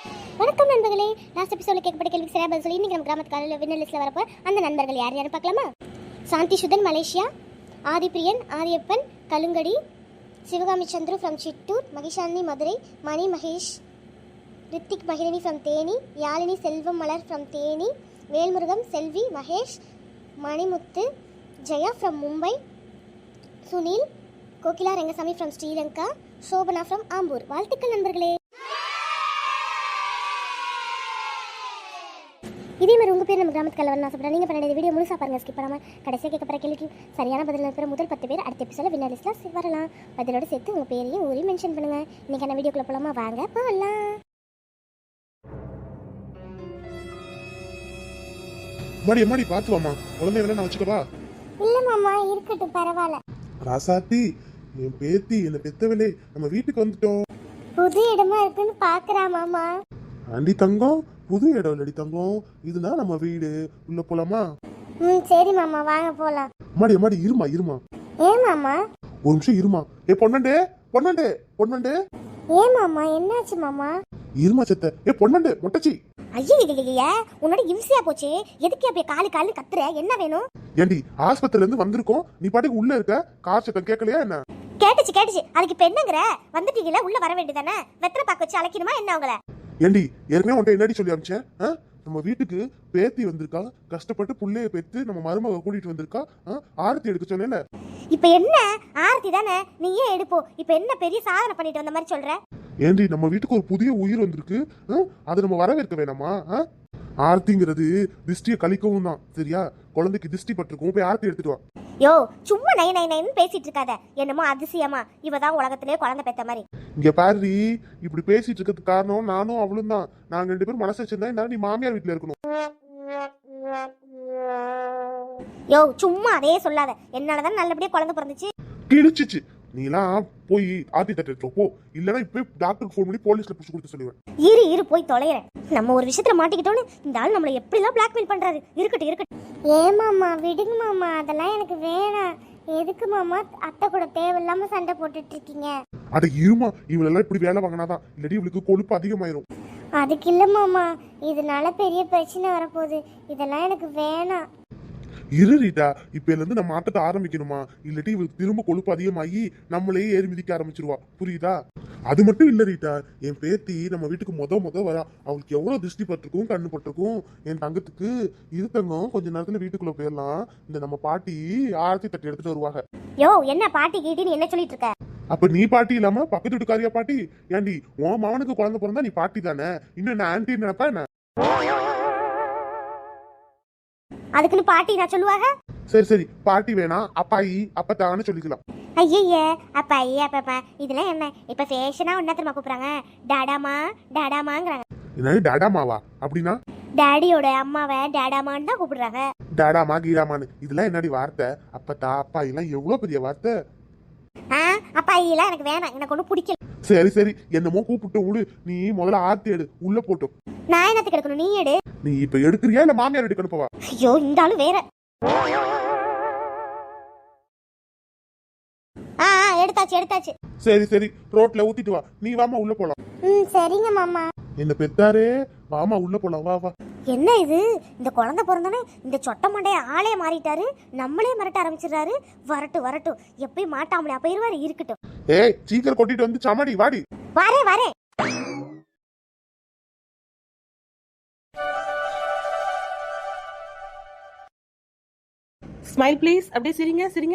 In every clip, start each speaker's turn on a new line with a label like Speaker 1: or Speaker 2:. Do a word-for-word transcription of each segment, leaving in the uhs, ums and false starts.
Speaker 1: வணக்கம் நண்பர்களே. லாஸ்ட் எபிசோட்ல கேட்கப்பட்ட கேள்விக்கு சரியா பதில் சொல்லி இன்னைக்கு நம்ம கிராமத்துக்கான வின்னர் லிஸ்ட்ல வரப்போ அந்த நண்பர்கள் யார் யாரும் பார்க்கலாமா? Shanthi Suthan Malaysia, Aadhipriyan Ariyappan Kalungadi, Sivakami Chandru from Chittoor, Magishalini Madurai, Mani Mahesh, Rithik Magizhini from Theni, Yazhini Selvam Malar from Theni, Velmurugam Selvi Mahesh, Manimuthu Jaya from Mumbai, Sunil, Kokila Rangasamy from Sri Lanka, Sobana from Ambur. வாழ்த்துக்கள் நண்பர்களே. இதே மாதிரி உங்கள் பேர் நம்ம கிராமத்துக்கு வரணும் ஆசைப்படுறேன். நீங்கள் பண்ண வீடியோ முழுசாக பாருங்கள், ஸ்கிப் பண்ணாமல். கடைசியாக கேட்கப்படுற கேள்விக்கு சரியான பதில் இருக்கிற முதல் பத்து பேர் அடுத்த எபிசோட வின்னர் லிஸ்ட்டில் வரலாம். பதிலோடு சேர்த்து உங்கள் பேரையும் ஊரையும் மென்ஷன் பண்ணுங்கள். இன்றைக்கான வீடியோக்குள்ளே போகலாமா? வாங்க போகலாம்.
Speaker 2: மாடி மாடி பார்த்து வாமா, குழந்தைகளை நான் வச்சுக்கவா?
Speaker 1: இல்லை மாமா, இருக்கட்டும், பரவாயில்ல.
Speaker 2: ராசாத்தி, என் பேத்தி என்ன பெத்தவளே, நம்ம வீட்டுக்கு வந்துட்டோம்.
Speaker 1: புது இடமா இருக்குன்னு பார்க்குறா மாமா.
Speaker 2: ஆண்டி தங்கம், புது இடம் இல்லடி தங்கம், இதுதான் நம்ம வீடு. உள்ள போலாமா?
Speaker 1: ம் சரி மாமா, வாங்க போகலாம்.
Speaker 2: மாடி மாடி இருமா இருமா.
Speaker 1: ஏன் மாமா?
Speaker 2: ஒரு நிமிஷம் இருமா. ஏ பொன்னண்டே பொன்னண்டே பொன்னண்டே.
Speaker 1: ஏன் மாமா, என்னாச்சு மாமா?
Speaker 2: இருமா செத்த. ஏ பொன்னண்டே மொட்டச்சி.
Speaker 1: ஐயா உன்னோட இம்சையா போச்சு. எதுக்கு அப்படியே காலு காலு கத்துற? என்ன வேணும்?
Speaker 2: ஏண்டி ஆஸ்பத்திரில இருந்து வந்திருக்கோம், நீ பாட்டுக்கு உள்ள இருக்க. கார் சத்தம் கேட்கலையா என்ன?
Speaker 1: கேட்டுச்சு கேட்டுச்சு. அதுக்கு இப்ப என்னங்கற? வந்துட்டீங்களா, உள்ள வர வேண்டியதானே? வெத்தலை பாக்க வச்சு அழைக்கணுமா என்ன உங்களை?
Speaker 2: ஏண்டி ஏற்கனவே உன்ட்ட என்னடி சொல்லி அனுப்பிச்சேன்? நம்ம வீட்டுக்கு பேத்தி வந்திருக்கா, கஷ்டப்பட்டு புள்ளைய பெத்து நம்ம மருமக கூட்டிட்டு வந்திருக்கா, ஆரத்தி எடுக்க சொன்னேன்ல.
Speaker 1: இப்ப என்ன ஆரத்தி தானே, நீ ஏன் எடுப்போ? இப்ப என்ன பெரிய சாதனை பண்ணிட்டு வந்த மாதிரி சொல்ற?
Speaker 2: ஏண்டி நம்ம வீட்டுக்கு ஒரு புதிய உயிர் வந்திருக்கு, அதை நம்ம வரவேற்க வேணாமா? ஆர்த்திங்கிறது திஷ்டியை கழிக்கவும் தான், சரியா? குழந்தைக்கு திஷ்டி பட்டிருக்கும், போய் ஆர்த்தி எடுத்துட்டு வா.
Speaker 1: யோ சும்மா நை நை நைன்னு பேசிட்டு இருக்காத. என்னமோ அதிசயமா இவதான் உலகத்திலே குழந்தை பெத்த மாதிரி.
Speaker 2: இங்க பாரு, இப்படி பேசிட்டு இருக்கிறதுக்கு காரணம் நானும் அவளும் தான். நாங்க ரெண்டு பேரும் மனசு வச்சிருந்தா நீ மாமியார் வீட்டுல இருக்கணும்.
Speaker 1: யோ சும்மா அதே சொல்லாத. என்னாலதான் நல்லபடியா குழந்தை பிறந்துச்சு.
Speaker 2: கிழிச்சிச்சு. நீலாம் போய் ஆர்த்தி தட்டு எடுத்துட்டு போ, இல்லனா இப்ப டாக்டருக்கு ஃபோன் பண்ணி போலீஸ்ல புடிச்சு கொடுத்து சொல்லுவேன்.
Speaker 1: இரு இரு போய் தொலைறேன். நம்ம ஒரு விஷயத்துல மாட்டிக்கிட்டோன்னு இந்த ஆள் நம்மள எப்படிலாம் பிளாக்மெயில் பண்றாரு. இருக்கட்டும் இருக்கட்டும். ஏன் மாமா, விடுங்க மாமா, அதெல்லாம் எனக்கு வேணாம். எதுக்கு மாமா அத்தை கூட தேவையில்லாம சண்டை போட்டுட்டு இருக்கீங்க?
Speaker 2: அட இருமா, இவளெல்லாம் இப்படி வேலை வாங்கினாதான், இல்லாட்டி இவளுக்கு கொழுப்பு அதிகமாயிரும்.
Speaker 1: அதுக்கு இல்ல மாமா, இதனால பெரிய பிரச்சனை வரப்போகுது. இதெல்லாம் எனக்கு வேணாம்.
Speaker 2: இரு ரீட்டா, இப்ப இருந்து நம்ம ஆட்டத்தை ஆரம்பிக்கணுமா? இல்லாட்டி இவளுக்கு திரும்ப கொழுப்பு அதிகமாகி நம்மளையே ஏறி மிதிக்க ஆரம்பிச்சிருவா, புரியுதா? அது மட்டும் இல்ல ரீட்டா, என் பேத்தி நம்ம வீட்டுக்கு முத முத வரா. அவளுக்கு எவ்வளவு திருஷ்டி பட்டிருக்கும், கண்ணு பட்டிருக்கும். என் தங்கத்துக்கு இது தங்கம், கொஞ்ச நேரத்துல வீட்டுக்குள்ள போயிடலாம். இந்த நம்ம பாட்டி ஆரத்தி தட்டி எடுத்துட்டு வருவாங்க.
Speaker 1: யோ என்ன பாட்டி கீட்டின்னு என்ன சொல்லிட்டு இருக்க?
Speaker 2: அப்ப நீ பாட்டி இல்லாம பக்கத்து வீட்டுக்காரியா பாட்டி? ஏண்டி உன் மகனுக்கு குழந்தை பிறந்தா நீ பாட்டி தானே, இன்னும் என்ன ஆன்டி நினைப்பா என்ன?
Speaker 1: அதுக்குன்னு பாட்டி நான் சொல்லுவாங்க?
Speaker 2: சரி சரி, பாட்டி வேணாம், அப்பாயி அப்பத்தான்னு சொல்லிக்கலாம்.
Speaker 1: ஐயே அப்பா ஐயா அப்பா, இதெல்லாம் என்ன இப்ப ஃபேஷனா என்ன தெரியுமா கூப்பிடுறாங்க? டாடாமா டாடாமாங்கிறாங்க.
Speaker 2: என்னது டாடாமாவா? அப்படின்னா
Speaker 1: டாடியோட அம்மாவை டாடாமான்னு தான் கூப்பிடுறாங்க.
Speaker 2: டாடாமா கீடாமான்னு இதெல்லாம் என்னடி வார்த்தை? அப்பத்தா அப்பாயி எல்லாம் எவ்வளவு பெரிய வார்த்தை.
Speaker 1: அப்பா ஐயெல்லாம் எனக்கு வேணாம், எனக்கு ஒன்றும் பிடிக்கல.
Speaker 2: சரி சரி, என்னமோ கூப்பிட்டு விடு. நீ முதல்ல ஆர்த்தி எடு, உள்ள போட்டோம்.
Speaker 1: நான் என்னத்துக்கு எடுக்கணும்? நீ எடு.
Speaker 2: நீ இப்ப எடுக்கிறியா இல்ல மாமியார் எடுக்கணும்? போவா.
Speaker 1: ஐயோ இந்த ஆளு வேற. ஆ எடுத்தாச்சு எடுத்தாச்சு.
Speaker 2: சரி சரி, ரோட்ல ஊத்திட்டு வா. நீ வாமா உள்ள போலாம்.
Speaker 1: ம் சரிங்க மாமா.
Speaker 2: என்ன பெத்தாரே, வாமா உள்ள போலாம், வா வா.
Speaker 1: என்ன இது, இந்த குழந்தை பிறந்தானே இந்த சொட்ட மண்டைய ஆளே மாறிட்டாரு. நம்மளே மிரட்ட ஆரம்பிச்சிடுறாரு. வரட்டு வரட்டும், எப்பயும் மாட்டாமலே போயிருவாரு. இருக்கட்டும்.
Speaker 2: ஏய் சீக்கிரம் கொட்டிட்டு வந்து சமாடி வாடி.
Speaker 1: வரே வரே.
Speaker 3: Smile please. அப்படியே சிரிங்க சிரிங்க.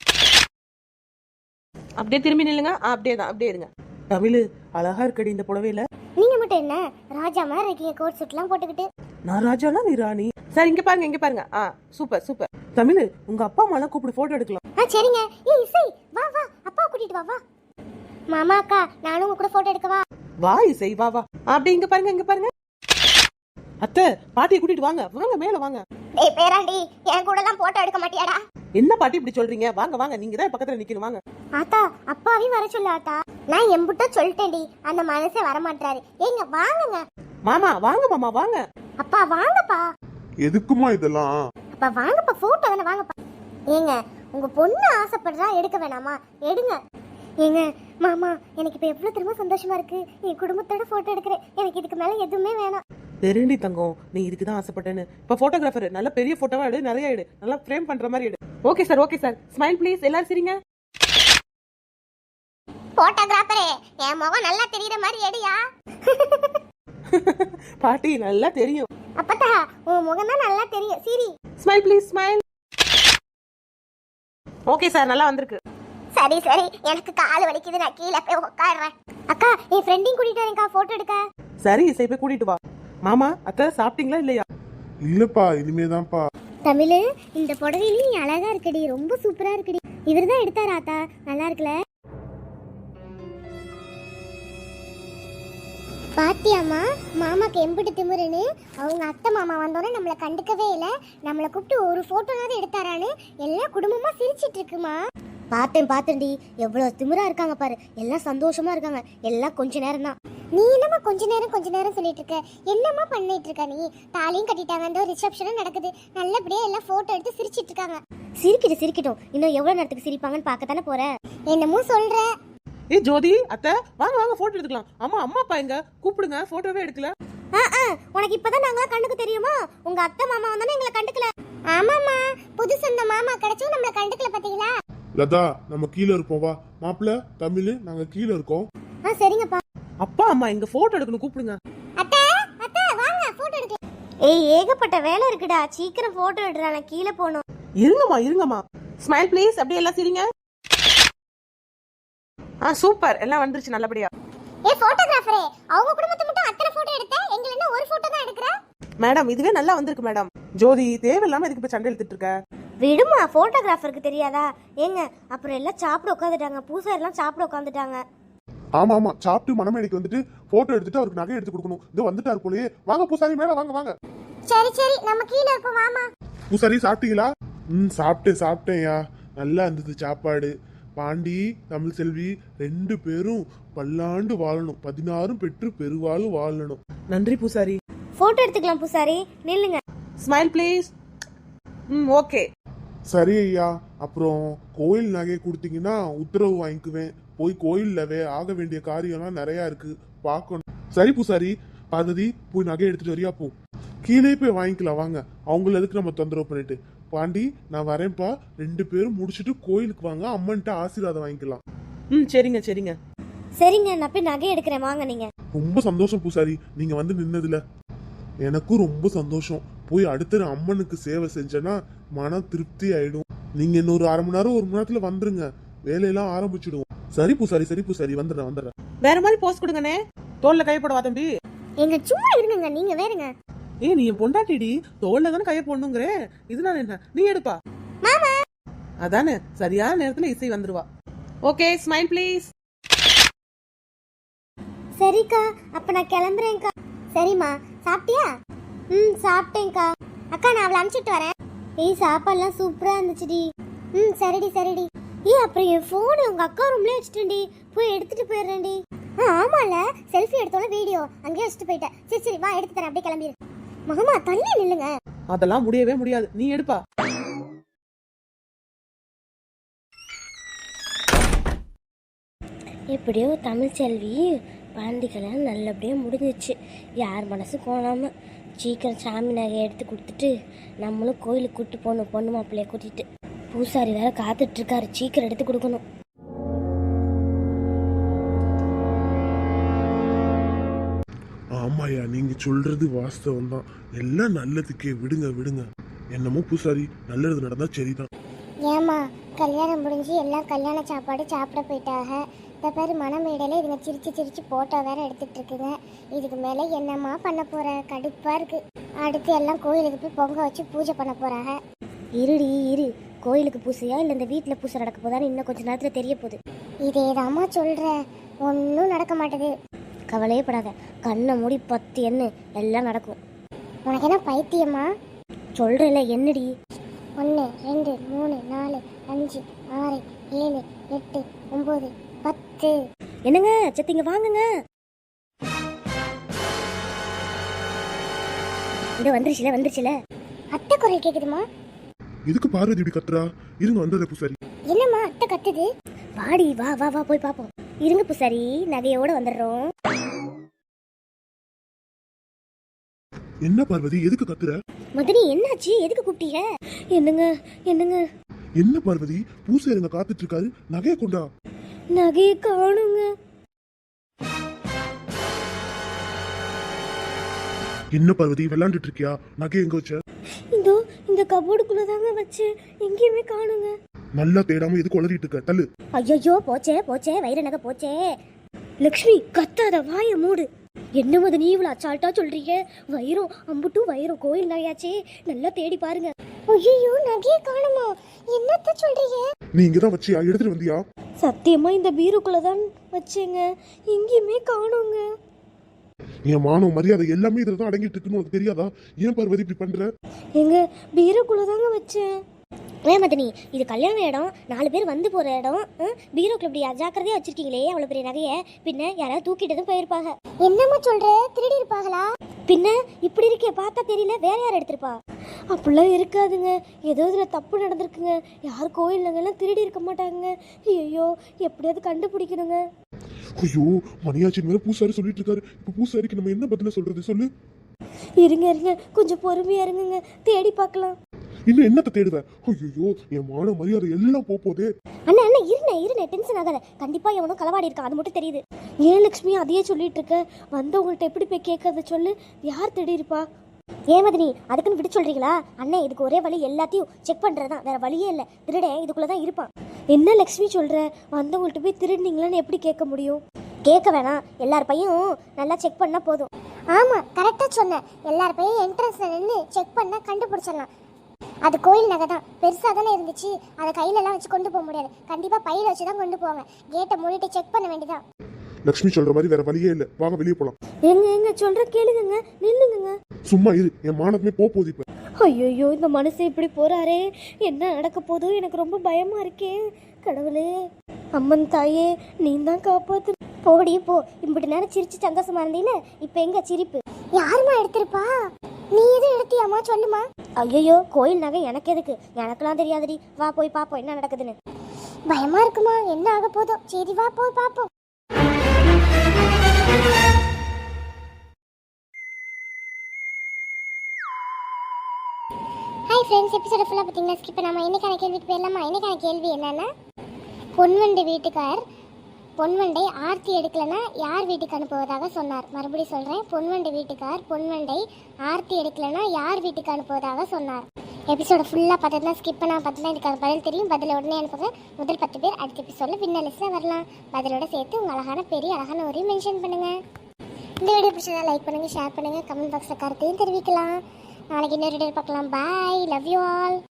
Speaker 3: அப்படியே திரும்பி நில்லுங்க. அப்படியே தான், அப்படியே இருங்க. தமிழ் அழகா இருக்கடி இந்த புடவையில.
Speaker 1: நீங்க மட்டும் என்ன ராஜா மாதிரி இருக்கீங்க, கோட் சூட்லாம் போட்டுக்கிட்டு.
Speaker 3: நான் ராஜானா நீ ராணி. சார் இங்க பாருங்க, இங்க பாருங்க. ஆ சூப்பர் சூப்பர். தமிழ் உங்க அப்பா அம்மா எல்லாம் கூப்பிட்டு போட்டோ எடுக்கலாம்.
Speaker 1: ஆ சரிங்க. ஏய் இசை வா வா, அப்பா கூட்டிட்டு வா வா. மாமா அக்கா நானும் உங்க கூட போட்டோ எடுக்கவா?
Speaker 3: வா இசை வா வா. அப்படியே இங்க பாருங்க, இங்க பாருங்க. அத்தை பாட்டியை கூட்டிட்டு வாங்க, வாங்க மேல வாங்க.
Speaker 1: டேய் பேராண்டி, என் கூட எல்லாம் போட்டோ எடுக்க மாட்டியாடா?
Speaker 3: என்ன பாட்டி இப்படி சொல்றீங்க? வாங்க வாங்க, நீங்க தான் பக்கத்துல நிக்கணும், வாங்க.
Speaker 1: ஆத்தா அப்பாவையும் வர சொல்லு ஆத்தா. நான் எம்புட்ட சொல்லிட்டேன்டி, அந்த மனசே வர மாட்டாரு. ஏங்க வாங்குங்க.
Speaker 3: மாமா வாங்க, மாமா வாங்க.
Speaker 1: அப்பா வாங்கப்பா.
Speaker 2: எதுக்குமா இதெல்லாம்?
Speaker 1: அப்பா வாங்கப்பா, போட்டோ தானே, வாங்கப்பா. ஏங்க உங்க பொண்ணு ஆசைப்படுறா, எடுக்க வேணாமா? எடுங்க. ஏங்க மாமா, எனக்கு இப்போ எவ்வளோ திரும்ப சந்தோஷமா இருக்கு. என் குடும்பத்தோட போட்டோ எடுக்கிறேன். எனக்கு இதுக்கு மேலே எதுவுமே வேணாம்.
Speaker 3: தெரிண்டி தங்கம், நீ இதுக்கு தான் ஆசைப்பட்டேன்னு. இப்போ போட்டோகிராஃபர் நல்ல பெரிய போட்டோவா எடு, நிறைய எடு, நல்லா ஃப்ரேம் பண்ற மாதிரி எடு. Okay sir, okay sir. Smile please. எல்லாரும் சரிங்க.
Speaker 1: போட்டோகிராஃபரே, என் முகம் நல்லா தெரியுற மாதிரி எடுயா.
Speaker 3: பாட்டி நல்லா தெரியும்.
Speaker 1: அப்பதா உன் முகம் தான் நல்லா தெரியும். சரி,
Speaker 3: smile please, smile. Okay sir, நல்லா வந்திருக்கு.
Speaker 1: சரி சரி, எனக்கு கால் வலிக்குது, நான் கீழே போய் உட்காடுறேன். அக்கா, என் ஃப்ரெண்டையும் கூட்டிட்டு வரேன்க்கா போட்டோ எடுக்க.
Speaker 3: சரி, இசை போய் கூட்டிட்டு வா. மாமா, அத்தை சாப்பிட்டீங்களா இல்லையா?
Speaker 2: இல்லப்பா, இனிமேதான்ப்பா.
Speaker 1: தமிழ், இந்த புடவையில நீ அழகா இருக்குடி, ரொம்ப சூப்பரா இருக்குடி. இவர் தான் எடுத்தாரா ஆத்தா? நல்லா இருக்குல்ல? பாத்தியாமா, மாமாக்கு எம்பிட்டு திமுருன்னு. அவங்க அத்தை மாமா வந்தோடனே நம்மளை கண்டுக்கவே இல்லை. நம்மளை கூப்பிட்டு ஒரு போட்டோனாவது எடுத்தாரான்னு எல்லாம் குடும்பமா சிரிச்சிட்டு இருக்குமா. பார்த்தேன் பார்த்தேன்டி, எவ்வளோ திமிரா இருக்காங்க பாரு. எல்லாம் சந்தோஷமா இருக்காங்க. எல்லாம் கொஞ்ச நேரம் தான். நீ என்னம்மா கொஞ்ச நேரம் கொஞ்ச நேரம் சொல்லிட்டு இருக்க? என்னம்மா பண்ணிட்டு இருக்க நீ? தாலியும் கட்டிட்டாங்க, அந்த ரிசப்ஷனும் நடக்குது. நல்லபடியா எல்லாம் போட்டோ எடுத்து சிரிச்சிட்டு இருக்காங்க. சிரிக்கிட்டு சிரிக்கட்டும், இன்னும் எவ்வளவு நேரத்துக்கு சிரிப்பாங்கன்னு பார்க்கத்தானே போற. என்னமோ சொல்ற.
Speaker 3: ஏ ஜோதி, அத்தை வாங்க வாங்க போட்டோ எடுத்துக்கலாம். அம்மா, அம்மா அப்பா எங்க? கூப்பிடுங்க, போட்டோவே எடுக்கல.
Speaker 1: உனக்கு இப்பதான் நாங்களா கண்டுக்க தெரியுமா? உங்க அத்தை மாமா வந்தானே எங்களை கண்டுக்கல. ஆமாமா, புது சொந்த மாமா கிடைச்சும் நம்மள கண்டுக்கல. பாத்தீங்களா
Speaker 2: லதா, நம்ம கீழே இருப்போம். வா மாப்பிள்ள, தமிழ், நாங்க கீழே இருக்கோம்.
Speaker 1: ஆ சரிங்கப்பா.
Speaker 3: அப்பா அம்மா எங்க? போட்டோ எடுக்கணும், கூப்பிடுங்க.
Speaker 1: அத்தை அத்தை வாங்க போட்டோ எடுக்கலாம். ஏய், ஏகப்பட்ட வேலை இருக்குடா, சீக்கிரம் போட்டோ எடுறா, நான் கீழே போணும்.
Speaker 3: இருங்கம்மா இருங்கம்மா. Smile please. அப்படியே எல்லாம் சிரிங்க. ஆ சூப்பர், எல்லாம் வந்துருச்சு நல்லபடியா.
Speaker 1: ஏ போட்டோகிராஃபரே, அவங்க குடும்பத்தை மட்டும் அத்தனை போட்டோ எடுத்த, எங்கள என்ன ஒரு போட்டோ தான் எடுக்கற?
Speaker 3: மேடம், இதுவே நல்லா வந்திருக்கு மேடம். ஜோதி, தேவையில்லாம இதுக்கு இப்ப சண்டை எடுத்துட்டு இருக்க.
Speaker 1: விடுமா, போட்டோகிராஃபருக்கு தெரியாதா? ஏங்க, அப்புறம் எல்லாம் சாப்பிட உட்காந்துட்டாங்க. பூசாரி எல்லாம் சாப்பிட உட்காந்துட்டாங்க.
Speaker 2: ஆமா ஆமா, சாப்பிட்டு மணமேடைக்கு வந்துட்டு போட்டோ எடுத்துட்டு அவருக்கு நகை எடுத்து கொடுக்கணும். இது வந்துட்டாரு போலயே. வாங்க பூசாரி, மேல வாங்க வாங்க.
Speaker 1: சரி சரி, நம்ம கீழே இருப்போம், வாமா.
Speaker 2: பூசாரி, சாப்பிட்டீங்களா? ம், சாப்பிட்டேன் சாப்பிட்டேன்யா. நல்லா இருந்தது சாப்பாடு. பாண்டி, தமிழ் செல்வி ரெண்டு பேரும் பல்லாண்டு வாழணும், பதினாறும் பெற்று பெருவாளும் வாழணும்.
Speaker 3: நன்றி பூசாரி.
Speaker 1: போட்டோ எடுத்துக்கலாம் பூசாரி, நில்லுங்க.
Speaker 3: Smile please. ம், ஓகே.
Speaker 2: சரி ஐயா, அப்புறம் கோயில் நகை கொடுத்தீங்கன்னா உத்தரவு வாங்கிக்குவேன். போய் கோயில்லவே ஆக வேண்டிய காரியம்லாம் நிறைய இருக்கு, பார்க்கணும். சரி பூசாரி. பார்வதி, போய் நகை எடுத்துட்டு வரியா? போ, கீழே போய் வாங்கிக்கலாம். வாங்க, அவங்கள எதுக்கு நம்ம தொந்தரவு பண்ணிட்டு. பாண்டி, நான் வரேன்ப்பா. ரெண்டு பேரும் முடிச்சுட்டு கோயிலுக்கு வாங்க, அம்மன்ட்ட ஆசீர்வாதம் வாங்கிக்கலாம்.
Speaker 3: ம், சரிங்க சரிங்க.
Speaker 1: சரிங்க, நான் போய் நகை எடுக்கிறேன், வாங்க நீங்க.
Speaker 2: ரொம்ப சந்தோஷம் பூசாரி, நீங்க வந்து நின்னதுல எனக்கும் ரொம்ப சந்தோஷம். போய் அடுத்த அம்மனுக்கு சேவை செஞ்சேன்னா மன திருப்தி ஆயிடும். நீங்க இன்னொரு அரை மணி நேரம் ஒரு மணி நேரத்துல வந்துருங்க, வேலையெல்லாம் ஆரம்பிச்சிடுவோம். சரி பூசாரி, சரி பூசாரி, வந்துடுறேன் வந்துடுறேன்.
Speaker 3: வேற மாதிரி போஸ்ட் கொடுங்கண்ணே. தோல்ல கைப்படவா தம்பி?
Speaker 1: எங்க சும்மா இருங்க, நீங்க வேறுங்க.
Speaker 3: ஏய், நீ என் பொண்டாட்டிடி, தோல்ல தானே கைய போடணுங்கிற. இதனால என்ன, நீ எடுப்பா.
Speaker 1: மாமா,
Speaker 3: அதானே, சரியான நேரத்துல இசை வந்துருவா. Okay, smile please.
Speaker 1: சரிக்கா, அப்ப நான் கிளம்புறேன்க்கா. சரிம்மா, சாப்பிட்டியா? ம், சாப்பிட்டேன்க்கா. அக்கா, நான் அவளை அனுப்பிச்சிட்டு வரேன். ஏய், சாப்பாடுலாம் சூப்பரா இருந்துச்சுடி. ம், சரிடி சரிடி. ஏய், அப்புறம் என் ஃபோனு உங்க அக்கா ரூம்லயே வச்சுட்டேன்டி, போய் எடுத்துட்டு போயிடுறேன்டி. ஆ ஆமால, செல்ஃபி எடுத்தோல வீடியோ அங்கேயே வச்சுட்டு போயிட்டேன். சரி சரி, வா எடுத்து தரேன், அப்படியே கிளம்பிடு. மாமா, தள்ளி நில்லுங்க.
Speaker 3: அதெல்லாம் முடியவே முடியாது, நீ எடுப்பா.
Speaker 1: எப்படியோ தமிழ் செல்வி பாண்டிகளாம் நல்லபடியாக முடிஞ்சிச்சு. யார் மனசு கோணாமல் சீக்கிரம் சாமி நகை எடுத்து கொடுத்துட்டு நம்மளும் கோயிலுக்கு கூப்பிட்டு போகணும். பொண்ணு மாப்பிள்ளைய கூட்டிகிட்டு பூசாரி வேற காத்துட்ருக்காரு, சீக்கிரம் எடுத்து கொடுக்கணும்.
Speaker 2: ஆமாயா, நீங்க சொல்றது வாஸ்தவம் தான். எல்லாம் நல்லதுக்கே, விடுங்க விடுங்க. என்னமோ பூசாரி, நல்லது நடந்தா சரிதான்.
Speaker 1: ஏமா, கல்யாணம் முடிஞ்சு எல்லாம் கல்யாண சாப்பாடு சாப்பிட போயிட்டாங்க. இந்த பேர் மனமேடையில் இதுங்க சிரிச்சு சிரிச்சு போட்டோ வேற எடுத்துட்டு இருக்குங்க. இதுக்கு மேலே என்னம்மா பண்ண போற? கடுப்பா இருக்கு. அடுத்து எல்லாம் கோயிலுக்கு போய் பொங்க வச்சு பூஜை பண்ண போறாங்க. இருடி இரு, கோயிலுக்கு பூசையா இல்லை இந்த வீட்டில் பூசை நடக்க போதான்னு இன்னும் கொஞ்சம் நேரத்தில் தெரிய போகுது. இதேதாம்மா சொல்கிறேன், ஒன்றும் நடக்க மாட்டேது. கவலையே படாத, கண்ணை மூடி பத்து எண்ணு, எல்லாம் நடக்கும். உனக்கு என்ன பைத்தியமா? சொல்கிறேன்ல, என்னடி? ஒன்று ரெண்டு மூணு நாலு அஞ்சு ஆறு ஏழு எட்டு ஒம்பது பத்து. என்னங்க சத்திங்க, வாங்குங்க. இந்த வந்துருச்சுல வந்துருச்சுல. அத்தை குரல் கேக்குதுமா?
Speaker 2: இதுக்கு பார்வதி இப்படி கத்துறா? இருங்க வந்துடுற பூசாரி.
Speaker 1: என்னம்மா அத்தை கத்துது? வாடி வா வா வா போய் பாப்போம். இருங்க பூசாரி, நகையோட வந்துடுறோம்.
Speaker 2: என்ன பார்வதி, எதுக்கு கத்துற?
Speaker 1: மதனி என்னாச்சு, எதுக்கு கூப்பிட்டீங்க? என்னங்க என்னங்க
Speaker 2: என்ன பார்வதி, பூசாரிங்க காத்துட்டு இருக்காரு, நகைய கொண்டா.
Speaker 1: நகையை காணுங்க.
Speaker 2: என்ன பார்வதி விளையாண்டுட்டு இருக்கியா? நகை எங்க வச்ச?
Speaker 1: இதோ இந்த கபோர்டுக்குள்ள தாங்க வச்சு, எங்கேயுமே காணுங்க.
Speaker 2: நல்லா தேடாம எதுக்கு உளறிட்டு இருக்க? தள்ளு.
Speaker 1: ஐயோ போச்சே போச்சே, வைர நகை போச்சே. லக்ஷ்மி கத்தாத, வாய மூடு. என்ன மதனி இவ்வளவு அச்சால்ட்டா சொல்றீங்க? வைரம் அம்புட்டும் வைரம், கோயில் நகையாச்சே, நல்லா தேடி பாருங்க. ஐயோ நகையை காணுமா? என்னத்த சொல்றீங்க?
Speaker 2: நீ இங்கதான் வச்சியா? எடுத்துட்டு வந்தியா?
Speaker 1: சத்தியமா இந்த பீருக்குள்ள தான் வச்சேங்க, எங்கேயுமே காணுங்க.
Speaker 2: என் மானம் மரியாதை எல்லாமே இதுல தான் அடங்கிட்டு இருக்குன்னு உனக்கு தெரியாதா? ஏன் பார்வதி இப்படி பண்ற?
Speaker 1: எங்க பீரோக்குள்ள தாங்க வச்சேன். ஏன் மதனி, இது கல்யாண இடம், நாலு பேர் வந்து போற இடம், பீரோக்குள்ள இப்படி அஜாக்கிரதையா வச்சிருக்கீங்களே அவ்வளவு பெரிய நகைய. பின்ன யாராவது தூக்கிட்டு போயிருப்பாங்க. என்னம்மா சொல்ற, திருடி இருப்பாங்களா? பின்ன இப்படி இருக்கே, பார்த்தா தெரியல, வேற யார் எடுத்திருப்பா? அப்படிலாம் இருக்காதுங்க, ஏதோ இதுல தப்பு நடந்திருக்குங்க. யார் கோயில் நகைலாம் திருடி இருக்க மாட்டாங்க. ஐயோ எப்படியாவது கண்டுபிடிக்கணுங்க.
Speaker 2: ஐயோ மணியாச்சின் மேல பூசாரி சொல்லிட்டு இருக்காரு. இப்ப பூசாரிக்கு நம்ம என்ன பதில சொல்றது சொல்லு?
Speaker 1: இருங்க இருங்க, கொஞ்சம் பொறுமையா இருங்க, தேடி பார்க்கலாம்.
Speaker 2: இன்னும் என்னத்தை தேடுவ? ஐயோ என் மான மரியாதை எல்லாம் போதே.
Speaker 1: அண்ணா அண்ணா இருண்ணே இருண்ணே, டென்ஷன் ஆகாத. கண்டிப்பா எவனோ களவாடி இருக்கான், அது மட்டும் தெரியுது. ஏன் லட்சுமி அதையே சொல்லிட்டு இருக்க? வந்தவங்கள்ட்ட எப்படி போய் கேட்கறத சொல்லு. யார் தேடி இருப்பா? ஏன் மதினி அதுக்குன்னு விட்டு சொல்றீங்களா? அண்ணே இதுக்கு ஒரே வழி, எல்லாத்தையும் செக் பண்றதுதான், வேற வழியே இல்லை. திருடே இதுக்குள்ளதான் இருப்பான். என்ன லட்சுமி சொல்ற? வந்தவங்கள்ட்ட போய் திருடினீங்களான்னு எப்படி கேட்க முடியும்? கேட்க வேணாம், எல்லார் பையும் நல்லா செக் பண்ணா போதும். ஆமா கரெக்டா சொன்ன, எல்லார் பையும் என்ட்ரன்ஸ்ல நின்று செக் பண்ணா கண்டுபிடிச்சிடலாம். அது கோயில் நகை தான், பெருசாக தானே இருந்துச்சு, அதை கையிலலாம் வச்சு கொண்டு போக முடியாது. கண்டிப்பாக பையில வச்சு தான் கொண்டு போவாங்க. கேட்டை மூடிட்டு செக் பண்ண வேண்டியதான்.
Speaker 2: லக்ஷ்மி சொல்ற மாதிரி வேற வழியே இல்லை, வாங்க வெளியே போலாம்.
Speaker 1: எங்க எங்க சொல்ற கேளுங்க, நில்லுங்க.
Speaker 2: சும்மா இரு, என் மானமே போகுது இப்ப.
Speaker 1: ஐயோ இந்த மனுஷன் இப்படி போறாரே, என்ன நடக்க போதோ, எனக்கு ரொம்ப பயமா இருக்கே. கடவுளே, அம்மன் தாயே நீ தான் காப்பாத்து. போடி போ, இப்படி நேரம் சிரிச்சு சந்தோஷமா இருந்தீல, இப்ப எங்க சிரிப்பு? யாருமா எடுத்திருப்பா? நீ எதுவும் எடுத்தியாமா? சொல்லுமா. ஐயோ கோயில் நகை எனக்கு எதுக்கு, எனக்கெல்லாம் தெரியாதுடி. வா போய் பாப்போம் என்ன நடக்குதுன்னு. பயமா இருக்குமா? என்ன ஆக போதோ. சரி வா போய் பாப்போம். ஹாய் ஃப்ரெண்ட்ஸ், எபிசோட ஃபுல்லாக பார்த்தீங்கன்னா ஸ்கிப் பண்ணாமல் இன்னைக்கான கேள்விக்கு போயிடலாமா? இன்னைக்கான கேள்வி என்னன்னா, பொன்வண்டு வீட்டுக்கார் பொன்வண்டை ஆர்த்தி எடுக்கலைன்னா யார் வீட்டுக்கு அனுப்புவதாக சொன்னார்? மறுபடியும் சொல்கிறேன், பொன்வண்டு வீட்டுக்கார் பொன்வண்டை ஆர்த்தி எடுக்கலைன்னா யார் வீட்டுக்கு அனுப்புவதாக சொன்னார்? எபிசோட ஃபுல்லாக பார்த்ததுனா ஸ்கிப் பண்ணால் பார்த்தா இதுக்கான பதில் தெரியும். பதில் உடனே அனுப்புங்க. முதல் பத்து பேர் அடுத்த எபிசோடில் வின்னர் லிஸ்ட்டில் வரலாம். பதிலோட சேர்த்து உங்கள் அழகான பெரிய அழகான ஒரு மென்ஷன் பண்ணுங்கள். இந்த வீடியோ பிடிச்சதா லைக் பண்ணுங்கள், ஷேர் பண்ணுங்கள், கமெண்ட் பாக்ஸில் கருத்தையும் தெரிவிக்கலாம். நாளைக்கு இன்னொரு வீடியோ பார்க்கலாம். Bye, love you all.